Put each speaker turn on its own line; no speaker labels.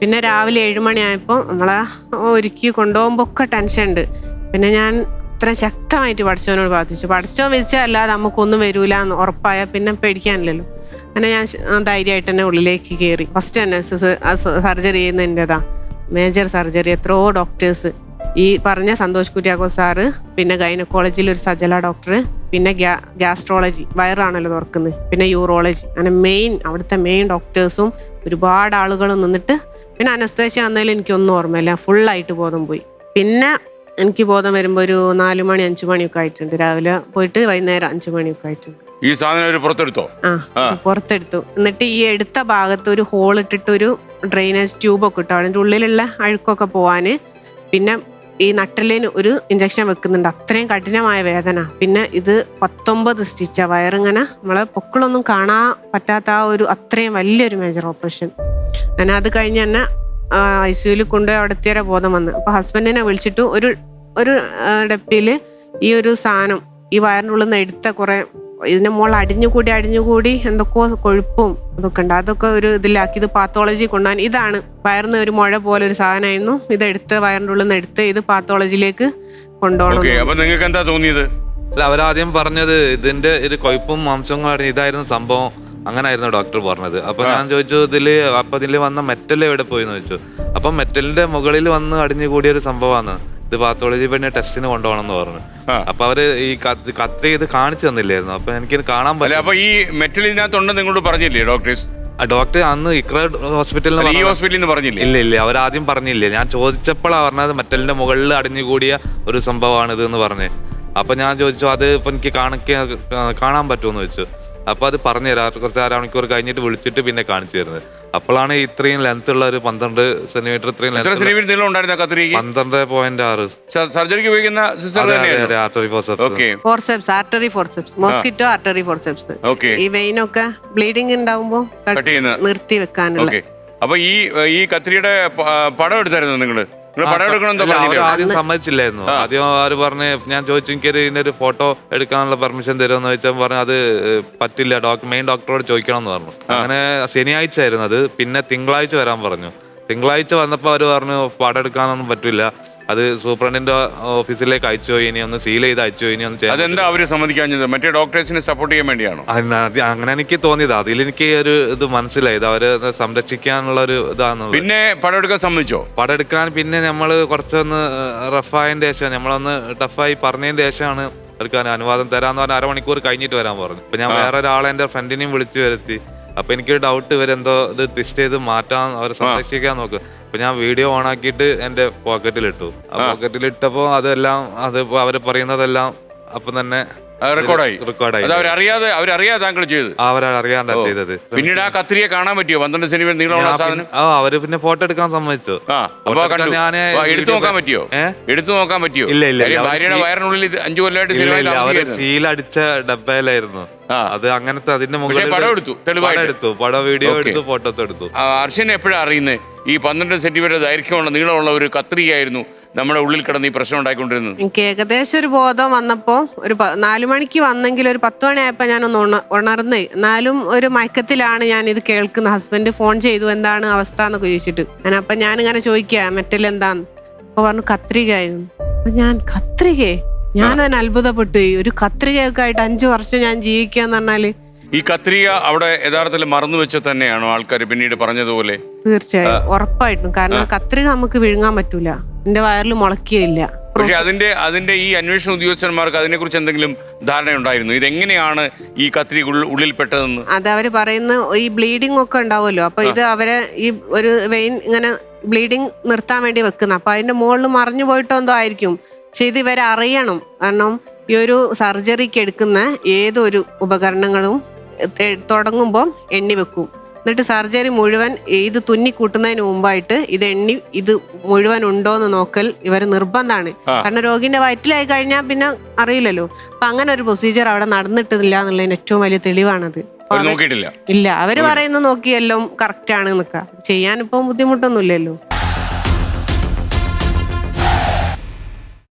പിന്നെ രാവിലെ 7 മണിയായപ്പോൾ നമ്മളെ ഒരുക്കി കൊണ്ടുപോകുമ്പോൾ ഒക്കെ ടെൻഷൻ ഉണ്ട്. പിന്നെ ഞാൻ അത്ര ശക്തമായിട്ട് പഠിച്ചവനോട് പ്രാർത്ഥിച്ചു. പഠിച്ചോ വിധിച്ചല്ലാതെ നമുക്കൊന്നും വരൂല എന്ന് ഉറപ്പായാൽ പിന്നെ പേടിക്കാനില്ലല്ലോ. അങ്ങനെ ഞാൻ ധൈര്യമായിട്ട് തന്നെ ഉള്ളിലേക്ക് കയറി. ഫസ്റ്റ് തന്നെ സർജറി ചെയ്യുന്നതിൻ്റെതാ, മേജർ സർജറി. എത്രയോ ഡോക്ടേഴ്സ്, ഈ പറഞ്ഞ സന്തോഷ് കുര്യാക്കോസ് സാറ്, പിന്നെ ഗൈനക്കോളജിയിൽ ഒരു സജല ഡോക്ടർ, പിന്നെ ഗ്യാസ്ട്രോളജി വയറാണല്ലോ തുറക്കുന്നത്, പിന്നെ യൂറോളജി, അങ്ങനെ അവിടുത്തെ മെയിൻ ഡോക്ടേഴ്സും ഒരുപാട് ആളുകളും നിന്നിട്ട്, പിന്നെ അനസ്തേഷ്യ വന്നതിൽ എനിക്കൊന്നും ഓർമ്മയില്ല. ഫുള്ളായിട്ട് ബോധം പോയി. പിന്നെ എനിക്ക് ബോധം വരുമ്പോൾ ഒരു 4 മണി 5 മണിയൊക്കെ ആയിട്ടുണ്ട്. രാവിലെ പോയിട്ട് വൈകുന്നേരം 5 മണിയൊക്കെ ആയിട്ടുണ്ട്.
ഈ സാധനം പുറത്തെടുത്തോ?
പുറത്തെടുത്തു. എന്നിട്ട് ഈ എടുത്ത ഭാഗത്ത് ഒരു ഹോൾ ഇട്ടിട്ട് ഒരു ഡ്രെയിനേജ് ട്യൂബൊക്കെ ഇട്ടു, അതിൻ്റെ ഉള്ളിലുള്ള അഴുക്കൊക്കെ പോവാന്. പിന്നെ ഈ നട്ടലിന് ഒരു ഇഞ്ചക്ഷൻ വെക്കുന്നുണ്ട്. അത്രയും കഠിനമായ വേദന. പിന്നെ ഇത് 19 സ്റ്റിച്ചാ. വയറിങ്ങനെ നമ്മളെ പൊക്കിളൊന്നും കാണാൻ പറ്റാത്ത ആ ഒരു അത്രയും വലിയൊരു മേജർ ഓപ്പറേഷൻ. ഞാൻ അത് കഴിഞ്ഞ് തന്നെ ICUവിൽ കൊണ്ടുപോയി അവിടെ എത്തിയ ബോധം വന്ന്. അപ്പോൾ ഹസ്ബൻഡിനെ വിളിച്ചിട്ട് ഒരു ഡപ്പിയിൽ ഈ ഒരു സാധനം ഈ വയറിൻ്റെ ഉള്ളിൽ നിന്ന് എടുത്ത കുറേ ഇതിൻ്റെ മുകളിൽ അടിഞ്ഞുകൂടി എന്തൊക്കെയോ കൊഴുപ്പും അതൊക്കെ ഉണ്ട്. അതൊക്കെ ഒരു ഇതിലാക്കി ഇത് പാത്തോളജി കൊണ്ടുപോകാൻ. ഇതാണ് വയറിന് ഒരു മുഴ പോലെ ഒരു സാധനമായിരുന്നു. ഇതെടുത്ത് വയറിൻ്റെ ഉള്ളിൽ നിന്ന് എടുത്ത് ഇത് പാത്തോളജിയിലേക്ക് കൊണ്ടുപോകണം.
അപ്പൊ നിങ്ങൾക്ക് എന്താ തോന്നിയത്?
അല്ല, അവരാദ്യം പറഞ്ഞത് ഇതിന്റെ ഒരു കൊഴുപ്പും മാംസങ്ങളും ഇതായിരുന്നു സംഭവം, അങ്ങനായിരുന്നു ഡോക്ടർ പറഞ്ഞത്. അപ്പൊ ഞാൻ ചോദിച്ചു ഇതില് വന്ന മെറ്റൽ എവിടെ പോയി എന്ന് ചോദിച്ചു. അപ്പൊ മെറ്റലിന്റെ മുകളിൽ വന്ന് അടിഞ്ഞുകൂടിയ ഒരു സംഭവമാണ് ഇത്, പാത്തോളജി പിന്നെ ടെസ്റ്റിന് കൊണ്ടുപോകണം എന്ന് പറഞ്ഞു. അപ്പൊ അവര് ഈ കത്തി ഇത് കാണിച്ചു തന്നില്ലായിരുന്നു. അപ്പൊ എനിക്ക് കാണാൻ പറ്റില്ല.
അപ്പൊ ഈ മെറ്റൽ ഇതിനകത്തുണ്ടെന്ന് നിങ്ങളോട് പറഞ്ഞില്ലേ ഡോക്ടേഴ്സ്?
ഡോക്ടർ അന്ന് ഇക്ര ഹോസ്പിറ്റലിൽ
പറഞ്ഞില്ലേ?
ഇല്ല, അവരാദ്യം പറഞ്ഞില്ലേ. ഞാൻ ചോദിച്ചപ്പോഴാണ് പറഞ്ഞത് മെറ്റലിന്റെ മുകളിൽ അടിഞ്ഞുകൂടിയ ഒരു സംഭവമാണ് ഇത് എന്ന് പറഞ്ഞ്. അപ്പൊ ഞാൻ ചോദിച്ചു അത് ഇപ്പൊ എനിക്ക് കാണാൻ പറ്റുമെന്ന് ചോദിച്ചു. അപ്പൊ അത് പറഞ്ഞു തരാം, കുറച്ച് 1/2 മണിക്കൂർ കഴിഞ്ഞിട്ട് വിളിച്ചിട്ട് പിന്നെ കാണിച്ചു തരുന്നത്. അപ്പോഴാണ് ഇത്രയും ലെങ്ത് ഉള്ള ഒരു 12 സെന്റിമീറ്റർ 12.6
സർജറിക്ക് ഉപയോഗിക്കുന്ന
മോസ്കിറ്റോ ആർട്ടറി ഫോർസെപ്സ്. ഈ വെയിനൊക്കെ ബ്ലീഡിങ് ഉണ്ടാവുമ്പോ നിർത്തി വെക്കാനുള്ള.
അപ്പൊ ഈ കത്രിയുടെ പടം എടുത്തായിരുന്നു നിങ്ങള്?
ആദ്യം സമ്മതിച്ചില്ലായിരുന്നു. ആദ്യം അവര് പറഞ്ഞ്, ഞാൻ ചോദിച്ചു എനിക്കൊരു ഇതിന്റെ ഫോട്ടോ എടുക്കാനുള്ള പെർമിഷൻ തരുമെന്ന് ചോദിച്ചാൽ പറഞ്ഞു അത് പറ്റില്ല, മെയിൻ ഡോക്ടറോട് ചോദിക്കണം എന്ന് പറഞ്ഞു. അങ്ങനെ ശനിയാഴ്ച ആയിരുന്നു അത്. പിന്നെ തിങ്കളാഴ്ച വരാൻ പറഞ്ഞു. തിങ്കളാഴ്ച വന്നപ്പോ അവര് പറഞ്ഞു പടം എടുക്കാനൊന്നും പറ്റില്ല, അത് സൂപ്രണ്ടിന്റെ ഓഫീസിലേക്ക് അയച്ചു, ഇനി ഒന്ന് സീൽ ചെയ്ത് അയച്ചു, ഇനി ഒന്ന്.
അതെന്താ അവര് സമ്മതിക്കാഞ്ഞത്? മറ്റേ ഡോക്ടേഴ്സിനെ സപ്പോർട്ട് ചെയ്യാൻ വേണ്ടിയാണോ?
അങ്ങനെ എനിക്ക് തോന്നിയത്. അതിലെനിക്ക് ഒരു ഇത് മനസ്സിലായത് അവര് സംരക്ഷിക്കാനുള്ള ഒരു ഇതാണെന്ന്.
പിന്നെ പടം എടുക്കാൻ സമ്മതിച്ചോ?
പടം എടുക്കാൻ പിന്നെ നമ്മള് കുറച്ചൊന്ന് റഫായതിന്റെ ശേഷം, നമ്മളൊന്ന് ടഫായി പറഞ്ഞതിന്റെ ശേഷമാണ് എടുക്കാൻ അനുവാദം തരാന്ന് പറഞ്ഞ 1/2 മണിക്കൂർ കഴിഞ്ഞിട്ട് വരാൻ പറഞ്ഞു. അപ്പൊ ഞാൻ വേറെ ഒരാളെ എന്റെ ഫ്രണ്ടിനെയും വിളിച്ചു വരുത്തി. അപ്പൊ എനിക്കൊരു ഡൗട്ട്, ഇവരെന്തോ ഇത് ട്വിസ്റ്റ് ചെയ്ത് മാറ്റാൻ അവരെ സംരക്ഷിക്കാൻ നോക്കും. അപ്പൊ ഞാൻ വീഡിയോ ഓൺ ആക്കിയിട്ട് എന്റെ പോക്കറ്റിലിട്ടു. ആ പോക്കറ്റിലിട്ടപ്പോ അതെല്ലാം അവര് പറയുന്നതെല്ലാം അപ്പം തന്നെ റെക്കോർഡായി.
അവരറിയാതെ താങ്കൾ ചെയ്തത്?
അവരറിയാണ്ടാ ചെയ്തത്.
പിന്നീട് ആ കത്രിയെ കാണാൻ പറ്റിയോ? 12 സെന്റിമീറ്റർ നീളമുള്ള സാധനം.
അവര് പിന്നെ ഫോട്ടോ എടുക്കാൻ സമ്മതിച്ചു.
ഞാൻ എടുത്തു നോക്കാൻ പറ്റിയോ?
ഇല്ല.
ഭാര്യയുടെ വയറിനുള്ളിൽ 5 കൊല്ലമായിട്ട്
അവര് സീലടിച്ച ഡബ്ബയിലായിരുന്നു അത്. അങ്ങനത്തെ അതിന്റെ മുകളിൽ പടം വീഡിയോ എടുത്തു, ഫോട്ടോസ് എടുത്തു.
അർച്ചന എപ്പോഴാണ് അറിയുന്നത് ഈ 12 സെന്റിമീറ്റർ ദൈർഘ്യമുള്ള നീളമുള്ള ഒരു കത്രികയായിരുന്നു നമ്മുടെ ഉള്ളിൽ കിടന്ന് ഈ പ്രശ്നം ഉണ്ടായിക്കൊണ്ടിരുന്നത്?
എനിക്ക് ഏകദേശം ഒരു ബോധം വന്നപ്പോ ഒരു 4 മണിക്ക് വന്നെങ്കിൽ ഒരു 10 മണിയായപ്പോ ഞാനൊന്ന് ഉണർന്ന്. എന്നാലും ഒരു മയക്കത്തിലാണ് ഞാൻ ഇത് കേൾക്കുന്നത്. ഹസ്ബൻഡ് ഫോൺ ചെയ്തു, എന്താണ് അവസ്ഥ എന്നൊക്കെ ചോദിച്ചിട്ട്. അപ്പൊ ഞാനിങ്ങനെ ചോദിക്കുക മെറ്റൽ എന്താന്ന്. അപ്പൊ പറഞ്ഞു കത്രികയായിരുന്നു. അപ്പൊ ഞാൻ കത്രികയെ ഞാൻ തന്നെ അത്ഭുതപ്പെട്ടു. ഒരു കത്രികയൊക്കെ ആയിട്ട് 5 വർഷം ഞാൻ ജീവിക്കാന്ന് പറഞ്ഞാല്.
ഈ കത്രിക അവിടെ യഥാർത്ഥത്തിൽ മറന്നു വെച്ച തന്നെയാണോ ആൾക്കാർ പിന്നീട് പറഞ്ഞതുപോലെ?
തീർച്ചയായും, ഉറപ്പായിട്ടും. കാരണം കത്രിക നമുക്ക് വിഴുങ്ങാൻ പറ്റൂല, എന്റെ വയറിൽ മുളക്കുകയില്ല.
പക്ഷെ അതിന്റെ ഈ അന്വേഷണ ഉദ്യോഗസ്ഥന്മാർക്ക് അതിനെ കുറിച്ച് എന്തെങ്കിലും ധാരണയുണ്ടായിരുന്നു? ഇതെങ്ങനെയാണ് ഈ കത്രിക ഉള്ളിൽപ്പെട്ടതെന്ന്?
അത് അവര് പറയുന്ന ഈ ബ്ലീഡിംഗ് ഒക്കെ ഉണ്ടാവുമല്ലോ. അപ്പൊ ഇത് അവരെ ഈ ഒരു വെയിൻ ഇങ്ങനെ ബ്ലീഡിങ് നിർത്താൻ വേണ്ടി വെക്കുന്ന. അപ്പൊ അതിന്റെ മുകളിൽ മറിഞ്ഞു പോയിട്ടോ എന്തോ ആയിരിക്കും. പക്ഷെ ഇത് ഇവരെ അറിയണം. കാരണം ഈ ഒരു സർജറിക്ക് എടുക്കുന്ന ഏതൊരു ഉപകരണങ്ങളും തുടങ്ങുമ്പോൾ എണ്ണി വെക്കും. എന്നിട്ട് സർജറി മുഴുവൻ ഇത് തുന്നിക്കൂട്ടുന്നതിന് മുമ്പായിട്ട് ഇത് മുഴുവൻ ഉണ്ടോന്ന് നോക്കൽ ഇവര് നിർബന്ധമാണ്. കാരണം രോഗിന്റെ വയറ്റിലായി കഴിഞ്ഞാൽ പിന്നെ അറിയില്ലല്ലോ. അപ്പൊ അങ്ങനെ ഒരു പ്രൊസീജിയർ അവിടെ നടന്നിട്ടില്ല എന്നുള്ളതിന് ഏറ്റവും വലിയ തെളിവാണത്.
നോക്കിയിട്ടില്ല.
ഇല്ല, അവര് പറയുന്നത് നോക്കിയെല്ലാം കറക്റ്റ് ആണ് നിൽക്കുക. ചെയ്യാനിപ്പോ ബുദ്ധിമുട്ടൊന്നുമില്ലല്ലോ.